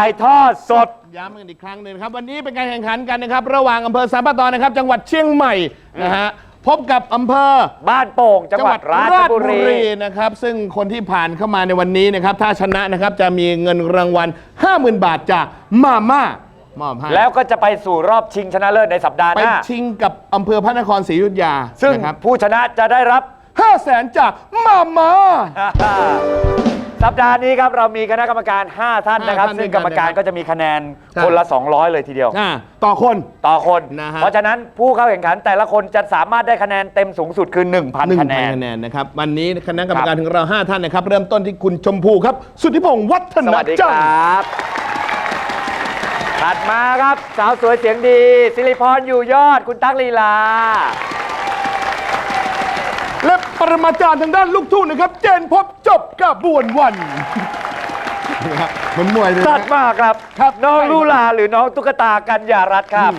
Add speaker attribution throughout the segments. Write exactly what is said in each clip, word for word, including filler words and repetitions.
Speaker 1: ายทอดสด
Speaker 2: ย้ำกันอีกครั้งหนึ่งครับวันนี้เป็นการแข่งขันกันนะครับระหว่างอำเภอสัมปะตอนนะครับจังหวัดเชียงใหม่นะฮะพบกับอำเภอ
Speaker 1: บ้านโป่งจังหวัดราชบุรี
Speaker 2: นะครับซึ่งคนที่ผ่านเข้ามาในวันนี้นะครับถ้าชนะนะครับจะมีเงินรางวัล ห้าหมื่น บาทจากมาม่ามอบให้
Speaker 1: แล้วก็จะไปสู่รอบชิงชนะเลิศในสัปดาห์หน้า
Speaker 2: ไปชิงกับอำเภอพระนครศรีอยุธยา
Speaker 1: ซึ่งผู้ชนะจะได้รับ
Speaker 2: ห้าแสน จากมาม่า
Speaker 1: สัปดาห์นี้ครับเรามีคณะกรรมการห้าท่านนะครับซึ่งกรรมการก็จะมีคะแนนคนละสองร้อยเลยทีเดียว
Speaker 2: ต่อคน
Speaker 1: ต่อคนเพราะฉะนั้นผู้เข้าแข่งขันแต่ละคนจะสามารถได้คะแนนเต็มสูงสุดคือ หนึ่งพัน คะแนน
Speaker 2: คะแนนนะครับวันนี้คณะกรรมการของเราห้าท่านนะครับเริ่มต้นที่คุณชมพูครับสุทธิพงษ์วัฒนจันทร์สวัสดีครับ
Speaker 1: ถัดมาครับสาวสวยเสียงดีศิริพรอยู่ยอดคุณตั๊กลีลา
Speaker 2: และปรมาจารย์ทางด้านลูกทุ่งนะครับเจนพบจบกระบวนวันมันมวยเลย
Speaker 1: สัตว์มากครับครับน้องลูลาหรือน้องตุ๊กตากัญญารัตน์ครับ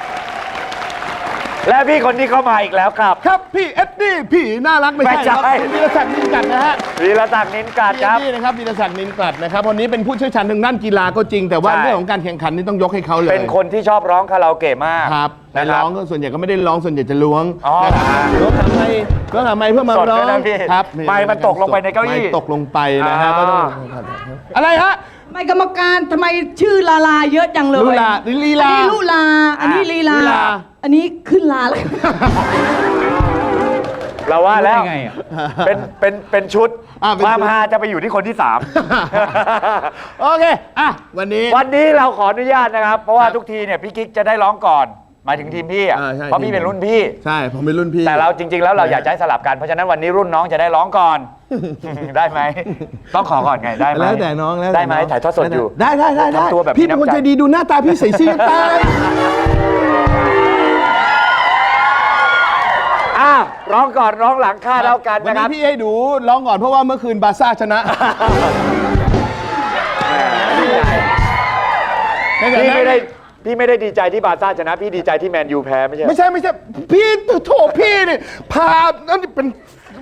Speaker 1: และพี่คนนี้เข้ามาอีกแล้วครับ
Speaker 2: ครับพี่เอ็ดดี้พี่น่ารักไม่ใช่ครับวีรศักดิ์นินกัดนะฮะ
Speaker 1: วีรศักดิ์นินกัดครับ
Speaker 2: นี่นะครับวีรศักดิ์นินกัดนะครับวันนี้เป็นผู้เชี่ยวชาญทางด้านกีฬาก็จริงแต่ว่าเรื่องของการแข่งขันนี่ต้องยกให้เขาเลย
Speaker 1: เป็นคนที่ชอบร้องคาราโอเกะมาก
Speaker 2: ครับแต่ร้องก็ส่วนใหญ่ก็ไม่ได้ร้องส่วนใหญ่จะล้วงล้วงทำไมล้วงทำไมเพื่อมาร้อง
Speaker 1: ครับไม้มันตกลงไปในเก้าอี้
Speaker 2: ตกลงไปนะฮะก็ต้องอะไรฮะ
Speaker 3: ทำไมกรรมการทำไมชื่อลาลาเยอะจังเลย
Speaker 2: ลูลาลีลา
Speaker 3: อันนี้ลูลาอันนี้ลีลาอันนี้ขึ้นลาเลย
Speaker 1: เราว่าแล้วเป็นเป็นเป็นชุดความฮาจะไปอยู่ที่คนที่สาม
Speaker 2: โอเคอ่ะวันนี้
Speaker 1: วันนี้เราขออนุญาตนะครับเพราะว่าทุกทีเนี่ยพี่กิ๊กจะได้ร้องก่อนหมายถึงทีมพี่อ่ะเพราะพี่เป็นรุ่นพี่
Speaker 2: ใช่ผมเป็นรุ่นพี่
Speaker 1: แต่เราจริงๆแล้วเราอยากจะให้สลับกันเพราะฉะนั้นวันนี้รุ่นน้องจะได้ร้องก่อนได้ไหมต้องขอก่อนไงได้ไหม
Speaker 2: แล้วแต่น้องแล้ว
Speaker 1: ได้ไหมถ่ายทอดสดอยู่
Speaker 2: ได้ได้ได้ทำตัวแบบพี่เป็นคนใจดีดูหน้าตาพี่ใส่ซื่อตาย
Speaker 1: อ้าวร้องก่อนร้องหลังค่าเท่ากันนะครับ
Speaker 2: วันนี้พี่ให้ดูร้องก่อนเพราะว่าเมื่อคืนบาร์ซ่าชนะ
Speaker 1: พี่ไม่ได้พี่ไม่ได้ดีใจที่บาร์ซ่าชนะพี่ดีใจที่แมนยูแพ้ไม่ใช่
Speaker 2: ไม่ใช่ไม่ใช่พี่โถพี่นี่พานั่นเป็น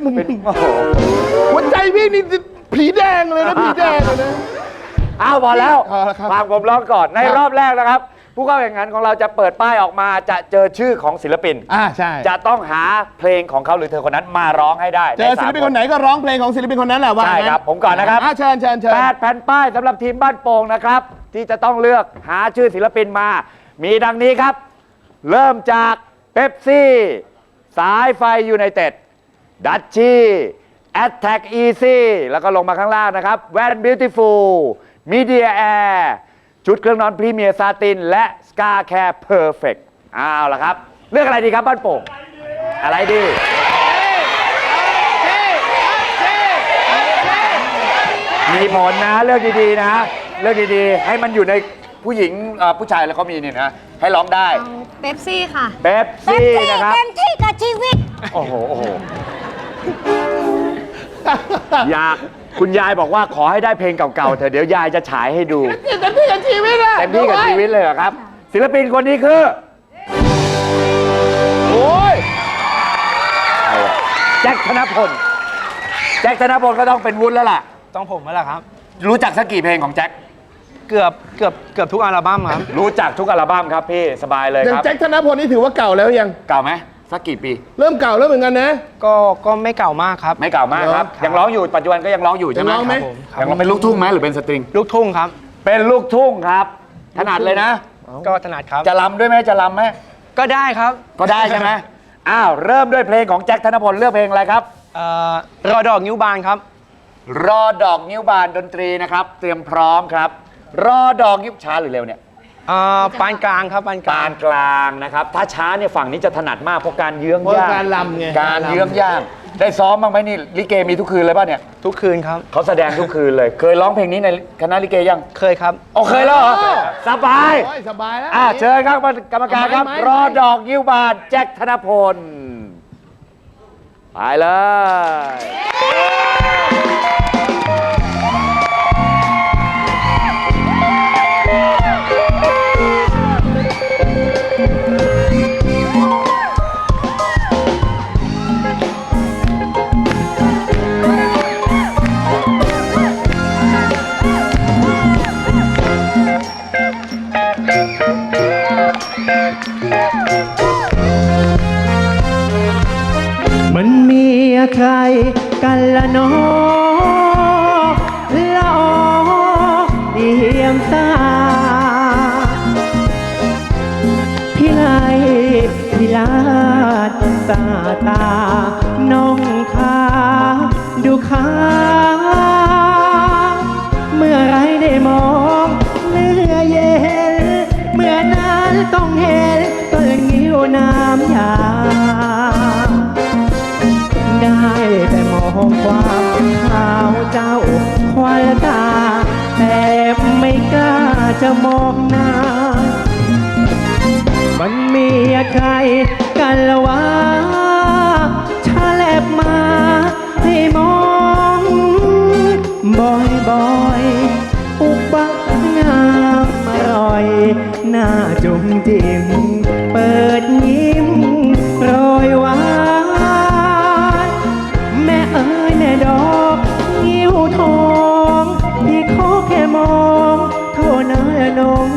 Speaker 2: หัวใจพี่นี่ผีแดงเลยนะผีแดงเลยนะ
Speaker 1: อ้าวพอแล้วฟังผมร้องก่อนในรอบแรกนะครับผู้เข้าแข่งขันของเราจะเปิดป้ายออกมาจะเจอชื่อของศิลปิน
Speaker 2: อ่าใช่
Speaker 1: จะต้องหาเพลงของเขาหรือเธอคนนั้นมาร้องให้ได้
Speaker 2: เจอศิลปินคนไหนก็ร้องเพลงของศิลปินคนนั้นแหละว่า
Speaker 1: ใช่ครับผมก่อนนะครับ
Speaker 2: เชิญเชิญเชิญ
Speaker 1: แปดแผ่นป้ายสำหรับทีมบ้านโป่งนะครับที่จะต้องเลือกหาชื่อศิลปินมามีดังนี้ครับเริ่มจากเป๊ปซี่สายไฟยูไนเต็ดดัชชี่แอตแทกอีซี่แล้วก็ลงมาข้างล่างนะครับแวนบิวตี้ฟูลมีเดียแอร์ชุดเครื่องนอนพรีเมียร์ซาตินและสกาแคร์เพอร์เฟกต์เอาละครับเลือกอะไรดีครับบ้านโป่งอะไรดีมีผลนะเลือกดีๆนะเลือกดีๆให้มันอยู่ในผู้หญิงผู้ชายแล้วเขามีนี่นะให้ร้องได้
Speaker 4: เป๊ปซี่ค่ะ
Speaker 1: เป๊ปซี่นะครับ
Speaker 4: เต็มที่กับชีวิต
Speaker 1: โอ้โหโอ้โหอยากคุณยายบอกว่าขอให้ได้เพลงเก่าๆเถอะเดี๋ยวยายจะฉายให้ดู
Speaker 2: เต็มที่กับชีวิตเลย
Speaker 1: เต็มที่กับชีวิตเลยเหรอครับศิลปินคนนี้คือ
Speaker 2: โอ้ย
Speaker 1: แจ็คธนพลแจ็คธนพลก็ต้องเป็นวุ้นแล้วล่ะ
Speaker 5: ต้องผมแล้วล่ะครับ
Speaker 1: รู้จักสักกี่เพลงของแจ็ค
Speaker 5: เกือบเกือบเกือบทุกอัลบั้มครับ
Speaker 1: รู้จักทุกอัลบั้มครับพี่สบายเลยครับ
Speaker 2: แจ็คธนพลนี่ถือว่าเก่าแล้วยัง
Speaker 1: เก่าไหมสักกี่ปี
Speaker 2: เริ่มเก่าแล้วเหมือนกันนะ
Speaker 5: ก็ก็ไม่เก่ามากครับ
Speaker 1: ไม่เก่ามากครับยังร้องอยู่ปัจจุบันก็ยังร้องอยู่ใช่ไหม
Speaker 2: ร้องไหม
Speaker 1: ยังร้องเป็นลูกทุ่งไหมหรือเป็นสตริง
Speaker 5: ลูกทุ่งครับ
Speaker 1: เป็นลูกทุ่งครับถนัดเลยนะ
Speaker 5: ก็ถนัดครับ
Speaker 1: จะรำด้วยไหมจะรำไหม
Speaker 5: ก็ได้ครับ
Speaker 1: ก็ได้ใช่ไหมอ้าวเริ่มด้วยเพลงของแจ็คธนพลเลือกเพลงอะไรครับ
Speaker 5: รอดอกนิ้วบานครับ
Speaker 1: รอดอกนิ้วบานดนตรีนะครับเตรียมพร้อมครับรอดอกนิ้วช้าหรือเร็วเนี่ย
Speaker 5: ปานกลางครับปานกลาง
Speaker 1: ปานกลางนะครับถ้าช้าเนี่ยฝั่งนี้จะถนัดมากเพราะการเยื้องย่าง
Speaker 2: การลำไง
Speaker 1: การเยื้องย่างได้ซ้อมบ้างไหมนี่ลิเกมีทุกคืนเลยป่ะเนี่ย
Speaker 5: ทุกคืนครับ
Speaker 1: เขาแสดงทุกคืนเลยเคยร้องเพลงนี้ในคณะลิเกยัง
Speaker 5: เคยครับ
Speaker 1: โอเคแล้วเหรอสบาย
Speaker 2: สบายแล้ว
Speaker 1: อ่ะเชิญครับกรรมการครับรอดอกนิ้วบานแจ็คธนพลไปเลย
Speaker 6: าพี่ไลพี่ลาดตาตาน้องขาดูขาเมื่อไรได้มองเนื้อเย็นเมื่อนั้นต้องเห็นต้นงิ้วน้ำยาได้แต่มองความขาวเจ้าควายตาแต่ไม่กล้าจะมองหน้ามันมีใครกันละวะชาแลบมาให้มองบ่อยบ่อยอุกบักงามอร่อยหน้าจุ่มจิ้มเปิดยิ้มโรยหวานแม่เอ๋ยแม่ดอกงิ้วทองที่ขอแค่มองเท่านั้นละน้อง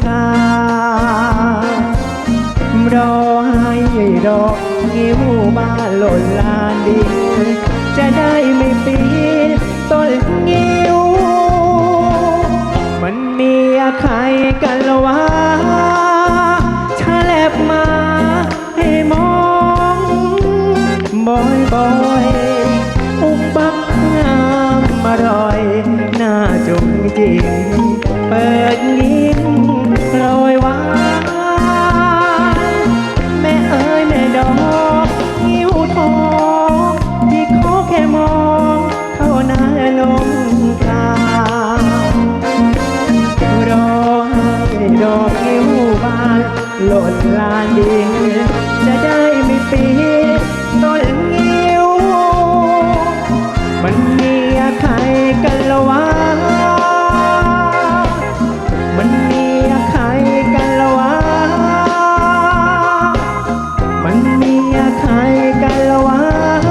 Speaker 6: การอให้ดอกงิ้วมาหล่นลานดินจะได้ไม่ปีนต้นงิ้วมันมีใครกันละวะชาแลบมาให้มองบ่อยบ่อยอุกบักงามอร่อยหน้าจุ่มจิ้มเปิดลิ้นโรยหวานแม่เอ๋ยแม่ดอกงิ้วทองที่ขอแค่มองเท่านั้นลงการอให้ดอกงิ้วบานหล่นลานดินจะได้ไม่ปีนต้นงิ้วมันมีใครกันละวะมันมีใครกันละวะมันมีใครกันละวะ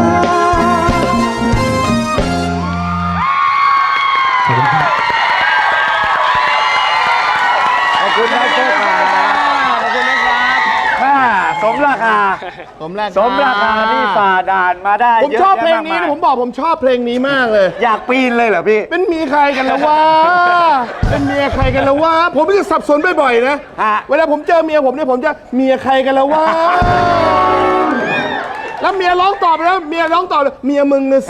Speaker 1: ขอบคุณนะโชคขาขอบคุณนะครับค่าสมราคา
Speaker 2: สมราคา
Speaker 1: สมราคาที่ฝ่าด่านมาได้
Speaker 2: ผม
Speaker 1: เยอะ
Speaker 2: ชอบเพลง
Speaker 1: แยะ
Speaker 2: นี้
Speaker 1: มาก
Speaker 2: นะ
Speaker 1: มาย
Speaker 2: ผมบอกผมชอบเพลงนี้มากเลย
Speaker 1: อยากปีนเลยเหรอพี่
Speaker 2: เป็นเมียใครกันแล้ววะ เป็นเมียใครกันแล้ววะ ผมจะสับสนบ่อยๆนะ
Speaker 1: ฮะ
Speaker 2: เวลาผมเจอเมียผมเนี่ยผมจะเมียใครกันแล้ววะ แล้วเมียร้องตอบไปแล้วเมียร้องตอบเลยเมียมึงนะสิ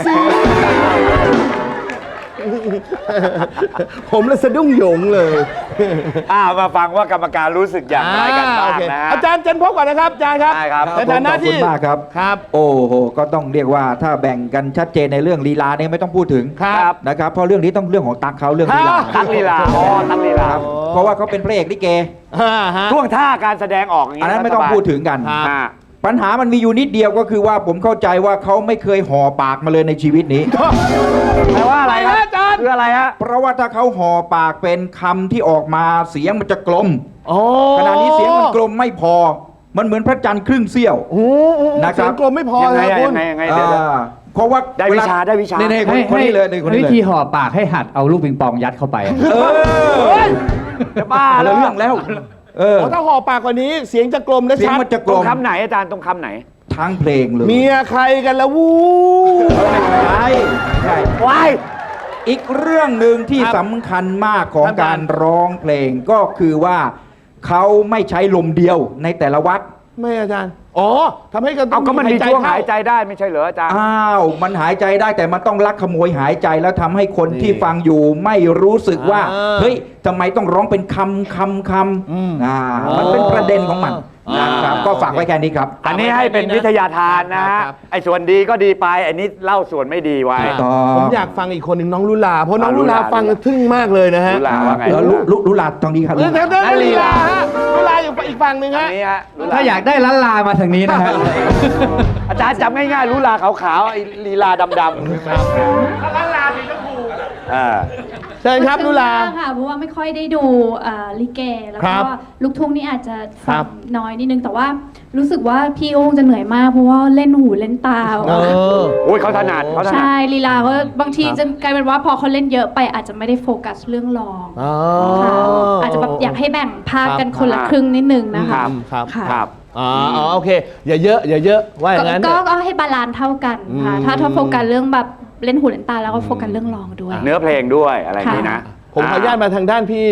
Speaker 2: ผมเลยสะดุ้งโหยงเลย
Speaker 1: อ่ามาฟังว่ากรรมการรู้สึกอย่างไรกันบ้าง
Speaker 2: โอเค
Speaker 1: นะฮะ
Speaker 2: อาจารย์เจนพบก่อนนะครับอาจารย์ครับ
Speaker 1: ได้ครับ
Speaker 2: ในฐานะที่
Speaker 7: ขอบคุณมากครับ
Speaker 2: ครับ
Speaker 7: โอ้โห ก็ต้องเรียกว่าถ้าแบ่งกันชัดเจนในเรื่องลีลาเนี่ยไม่ต้องพูดถึง
Speaker 2: ครับ
Speaker 7: นะครับเพราะเรื่องนี้ต้องเรื่องของตักเขาเรื่องลีลา
Speaker 1: ตั๊กลีลาอ๋อตั๊กลีลา
Speaker 7: ครับเพราะว่าเขาเป็นพระเอกลิเก
Speaker 2: อ่าฮะ
Speaker 1: ท่วงท่าการแสดงออกอย่าง
Speaker 7: อัน
Speaker 1: นี้
Speaker 7: นั้นไม่ต้องพูดถึงกัน
Speaker 2: ครับ
Speaker 1: อ่า
Speaker 7: ปัญหามันมีอยู่นิดเดียวก็คือว่าผมเข้าใจว่าเขาไม่เคยห่อปากมาเลยในชีวิตนี้
Speaker 1: แปลว่าอะไรค
Speaker 2: อะไร
Speaker 1: รับ
Speaker 2: นะอาจารย์
Speaker 1: คืออะไรฮะ
Speaker 7: เพราะว่าถ้าเขาห่อปากเป็นคำที่ออกมาเสียงมันจะกลม
Speaker 2: โอ้
Speaker 7: ขณะนี้เสียงมันกลมไม่พอ มันเหมือนพระจันทร์ครึ่งเสี้ยว
Speaker 2: โห
Speaker 7: นะครับ
Speaker 2: เสียงกลมไม่พอ
Speaker 1: ยังไง
Speaker 2: นะ
Speaker 1: อะ
Speaker 2: คุ
Speaker 1: ยั
Speaker 2: ณ
Speaker 1: งไงยังไงเดี๋ยว
Speaker 7: อ่าเพราะว่า
Speaker 1: ได้วิชาได้วิชา
Speaker 7: เนี่ยๆคนคนนี้เลยนี่คนนี้
Speaker 8: วิ
Speaker 7: เลย
Speaker 8: ธีห่อปากให้หัดเอาลูกปิงปองยัดเข้าไป
Speaker 7: เออ
Speaker 1: จะบ้า
Speaker 7: คน
Speaker 1: แล้
Speaker 7: ละ
Speaker 1: ว
Speaker 7: เรื่องแล้ว เออ
Speaker 2: อ๋อถ้าห่อปากกว่านี้เสียงจะกลมและ
Speaker 7: เสียง
Speaker 2: ชัด
Speaker 7: มันจะก
Speaker 1: ต
Speaker 7: ล
Speaker 1: รง
Speaker 7: ม
Speaker 1: คำไหนอาจารย์ตรงคำไหน
Speaker 7: ทั้งเพลงเลย
Speaker 2: เมียใครกันละวู้
Speaker 7: ใช่ใช่
Speaker 1: วาย
Speaker 7: อีกเรื่องหนึ่งที่
Speaker 2: ครับ
Speaker 7: สำคัญมากของ
Speaker 2: ครับ
Speaker 7: การร้องเพลงก็คือว่าเขาไม่ใช้ลมเดียวในแต่ละวัด
Speaker 2: ไม่อาจารย์ อ๋อทำให้กระตุ้
Speaker 1: เอาก็มันมีช่วงหายใจ
Speaker 2: เข้
Speaker 1: ได้ไม่ใช่เหรออาจารย์
Speaker 7: อ้าว มันหายใจได้แต่มันต้องลักขโมยหายใจแล้วทำให้คนที่ฟังอยู่ไม่รู้สึกว่า
Speaker 2: อ่า
Speaker 7: เฮ้ยทำไมต้องร้องเป็นคำคำค
Speaker 2: อืม
Speaker 7: ำอ่ามันเป็นประเด็นของมัน
Speaker 2: อ่า
Speaker 7: นะครับก็ฝากไว้แค่นี้ครับ
Speaker 1: อันนี้ให้เป็นวิทยาทานนะฮะ
Speaker 2: ครับ
Speaker 1: ไอ้ส่วนดีก็ดีไปอันนี้เล่าส่วนไม่ดีไว้
Speaker 7: ต่อ
Speaker 2: ผมอยากฟังอีกคนหนึ่งน้องลุลา เพราะน้อง
Speaker 1: อ่า
Speaker 2: ลุลา
Speaker 1: ลุลา
Speaker 2: ฟังแล้วทึ่งมากเลยนะฮะ
Speaker 1: ลุลาว่าไง
Speaker 7: แล้วลุลุลุลาตรงนี้ครับ
Speaker 2: เดี๋ยวเดี๋ยวเดี๋ยว
Speaker 1: ได้ลี
Speaker 2: ลี
Speaker 1: ลา
Speaker 2: ลาฮะลุลาอยู่อีกฝั่งหนึ่ง
Speaker 1: อั
Speaker 2: ฮะ
Speaker 1: นนี้ฮะลุล
Speaker 8: ถ้าอยากได้ล้านลามาทางนี้นะฮะ
Speaker 1: อาจารย์จำง่ายๆลุลาขาวๆไอ้ลีลาดำๆลุลาสีชมพูอ่า
Speaker 2: เชิญครับลุลา
Speaker 9: ซึ้งมกค่ะเพราะว่าไม่ค่อยได้ดูเอ่อลิเก แล้ว
Speaker 2: ครั
Speaker 9: ก็
Speaker 2: บ
Speaker 9: ลูกทุ่งนี่อาจจะ
Speaker 2: ครั
Speaker 9: ฟั
Speaker 2: บ
Speaker 9: งน้อยนิดนึงแต่ว่ารู้สึกว่าพี่โอ้งจะเหนื่อยมากเพราะว่าเล่นหูเล่นตา
Speaker 2: เออ
Speaker 1: โอ้ยเขาถนัดเขาถนัด
Speaker 9: ใช่ลีลาเขาบางทีจะกลายเป็นว่าพอเขาเล่นเยอะไปอาจจะไม่ได้โฟกัสเรื่องร้อง
Speaker 2: อ๋อ
Speaker 9: ค่ะอาจจะแบบอยากให้แบ่งภาคกัน
Speaker 2: ครับ
Speaker 9: คนละครึ่งนิดนึงนะคะ
Speaker 2: ครับ
Speaker 9: ค่ะ
Speaker 1: ครับ
Speaker 2: อ๋ออ๋อโอเค อย่าเยอะอย่าเยอะว่าอย่างนั้น
Speaker 9: ก็
Speaker 2: เถอะ
Speaker 9: ก็ให้บาลานซ์เท่ากันค่ะ
Speaker 2: อืม
Speaker 9: ถ้าถ้าโฟกัสเรื่องแบบเล่นหูเล่นตาแล้วก็โฟกัสเรื่องร้องด้วย
Speaker 1: เนื้อเพลงด้วยอะไรอย่างนี้นะ
Speaker 2: ผมขออนุญาตมาทางด้านพี่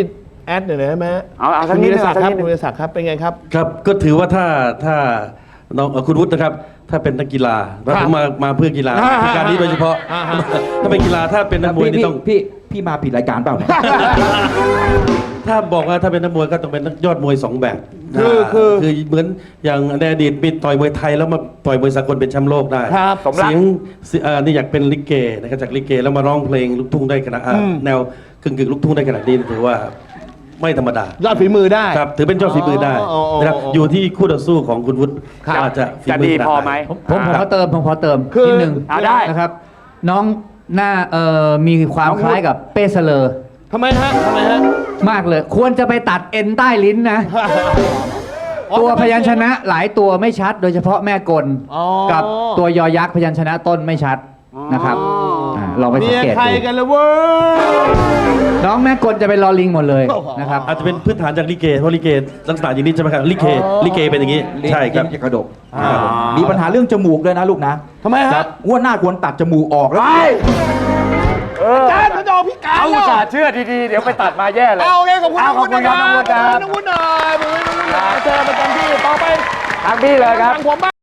Speaker 2: แอดหน่อยได้ไหม
Speaker 1: เอาเอาสัก
Speaker 2: คุณ
Speaker 1: นิ
Speaker 2: วิ
Speaker 1: ด
Speaker 2: ร
Speaker 1: นึง
Speaker 2: ศักดิ์ครับ
Speaker 1: สักนิดนึง
Speaker 2: คุณวิรศักดิ์ครับเป็นไงครับ
Speaker 10: ครับก็ถือว่าถ้าถ้าน้องเอ่อคุณวุฒินะครับ ถ้าเป็นนักกีฬาแล้วผมมามาเพื่อกีฬา
Speaker 2: อ่า
Speaker 10: คือการนี้โดยเฉพาะ
Speaker 2: อ่าฮะ
Speaker 10: ถ้าเป็นกีฬาถ้าเป็นนักมวย
Speaker 7: พี่
Speaker 10: นี่
Speaker 7: พี่
Speaker 10: ต้อง
Speaker 7: พี่พี่มาผิดรายการเปล่าเนี่ย
Speaker 10: ถ้าบอกว่าถ้าเป็นนักมวยก็ต้องเป็นนักยอดมวยสองแบบ
Speaker 2: คือคือ
Speaker 10: คือเหมือนอย่างในอดีตมีต่อยมวยไทยแล้วมาต่อยมวยสากลเป็นแชมป์โลกได้
Speaker 2: ครับ
Speaker 1: สมรัก
Speaker 10: เสียงเสียเอ่อนี่อยากเป็นลิเกนะครับจากลิเกแล้วมาร้องเพลงลูกทุ่งได้ขนาดอ่าแนวกึ่งกึ่งๆลูกทุ่งได้ขนาดนี้ถือว่าไม่ธรรมดาย
Speaker 2: อดฝีมือได้
Speaker 10: ครับถือเป็นยอดฝีมือได้
Speaker 2: อ๋ออ๋อ
Speaker 10: นะครับ
Speaker 2: อ๋อ
Speaker 10: อยู่ที่คู่ต่อสู้ของคุณวุฒิ
Speaker 2: ครับ
Speaker 10: ว่าจะฝี
Speaker 1: จะ
Speaker 10: มื
Speaker 1: ดี
Speaker 10: ขนา
Speaker 1: พอ
Speaker 10: น
Speaker 1: ไหม
Speaker 8: ผมผมผมขอเติมผมขอเติม
Speaker 2: คือ
Speaker 8: นิดนึง
Speaker 1: อ่าได้
Speaker 8: นะครับ น้องหน้าเอ่อมีความคล้ายกับเป้เสลอ
Speaker 2: ทำไมฮะทำไมฮะ
Speaker 8: มากเลย ควรจะไปตัดเอ็นใต้ลิ้นนะ ตัวพยัญชนะหลายตัวไม่ชัด โดยเฉพาะแม่กล
Speaker 2: อ๋อ
Speaker 8: กับตัวยอยักษ์พยัญชนะต้นไม่ชัดนะครับาลองไป
Speaker 2: เมี
Speaker 8: สัง
Speaker 2: ย
Speaker 8: เกต
Speaker 2: ใคร
Speaker 8: ดู
Speaker 2: กันละเว้ย
Speaker 8: น้องแม่กลจะเป็นลอลิงหมดเลยนะครับ
Speaker 10: อาจจะเป็นพื้นฐานจากลิเกเพราะลิเกลักษณะอย่างนี้ใช่ไหมครับลิเกลิเกเป็นอย่างนี้ใช่ครับ
Speaker 7: ลิ้นจะกระดกมีปัญหาเรื่องจมูกด้วยนะลูกนะ
Speaker 2: ทำไมฮะ
Speaker 7: ครับงวดหน้าควรตัดจมูกออกแล้ว
Speaker 2: อาจารย์เขาจะเอาพี่การ
Speaker 1: เอาอุต
Speaker 2: แล้ว
Speaker 1: ส่าห์เชื่อดีๆ เดี๋ยวไปตัดมาแย่เลย
Speaker 2: เอาเลยขอบคุณ
Speaker 1: เอาขอบคุณครับน้องวุฒิครับ
Speaker 2: น้องวุฒิหน่อยขอบคุณน้องวุฒิหน่อยเจอประจำที่ต่อไป
Speaker 1: ทางพี่เลยครับ
Speaker 2: ทางผมบ้าง